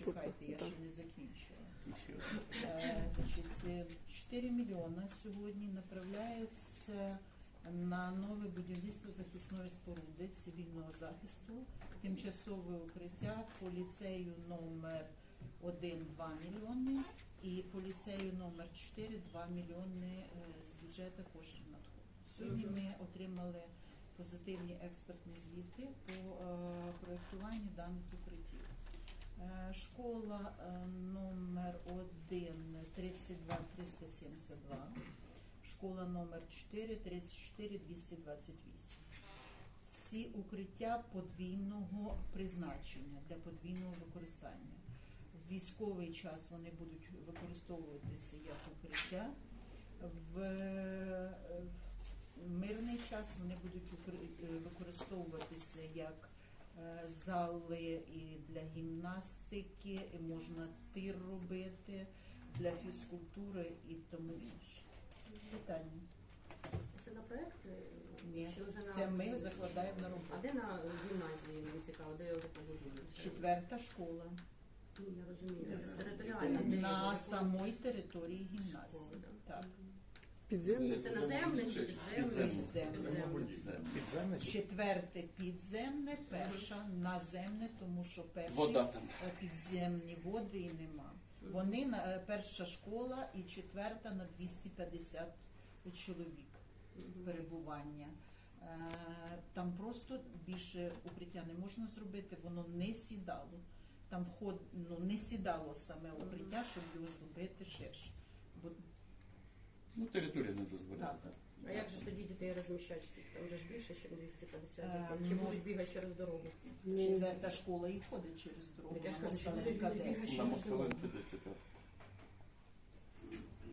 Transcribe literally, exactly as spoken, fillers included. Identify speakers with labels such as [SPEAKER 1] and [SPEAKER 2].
[SPEAKER 1] Чекайте, я ще не закінчила. Е, Значить, е, чотири мільйони сьогодні направляється на нове будівництво захисної споруди цивільного захисту, тимчасове укриття по ліцею номер один – два мільйони і по ліцею номер чотири – два мільйони е, з бюджету коштів надходить. Сьогодні ми отримали позитивні експертні звіти по е, проєктуванню даних укриттів. Е, Школа е, номер один – тридцять два триста сімдесят два, школа номер чотири – тридцять чотири двісті двадцять вісім. Ці укриття подвійного призначення, для подвійного використання. В військовий час вони будуть використовуватися як укриття, в в мирний час вони будуть укри- використовуватися як е, зали і для гімнастики, і можна тир робити, для фізкультури і тому інше. Питання?
[SPEAKER 2] Це на проєкт?
[SPEAKER 1] Ні,
[SPEAKER 2] Чи вже
[SPEAKER 1] це
[SPEAKER 2] на-
[SPEAKER 1] ми закладаємо на
[SPEAKER 2] А
[SPEAKER 1] роботу.
[SPEAKER 2] де на гімназії, мені цікаво, де його побудують?
[SPEAKER 1] Четверта школа.
[SPEAKER 2] Ні, я розумію. Територіально. де
[SPEAKER 1] На
[SPEAKER 2] його?
[SPEAKER 1] самій території гімназії.
[SPEAKER 2] Школа,
[SPEAKER 1] Так.
[SPEAKER 3] Підземне?
[SPEAKER 2] Це наземне чи підземне?
[SPEAKER 1] Підземне.
[SPEAKER 4] Підземне?
[SPEAKER 1] Четверте підземне, перша наземне, тому що перші
[SPEAKER 4] Вода там.
[SPEAKER 1] е, підземні води і нема. Вони на е, перша школа і четверта на двісті п'ятдесят чоловік перебування. Е, Там просто більше укриття не можна зробити, воно не сідало. Там вход, ну, не сідало саме укриття, щоб його зробити ширше. Бо
[SPEAKER 4] Ну, територія не дозволяє.
[SPEAKER 1] так.
[SPEAKER 2] А як же ж тоді дітей розміщати? Там вже ж більше, ніж двісті п'ятдесят
[SPEAKER 1] Е,
[SPEAKER 2] дітей. Чи
[SPEAKER 1] ну,
[SPEAKER 2] будуть бігати через дорогу?
[SPEAKER 1] Четверта школа і ходить через дорогу.
[SPEAKER 2] Я ж
[SPEAKER 1] на
[SPEAKER 2] кажу, що
[SPEAKER 1] Москаленка
[SPEAKER 2] люди
[SPEAKER 1] десять.
[SPEAKER 4] На Москаленці десять.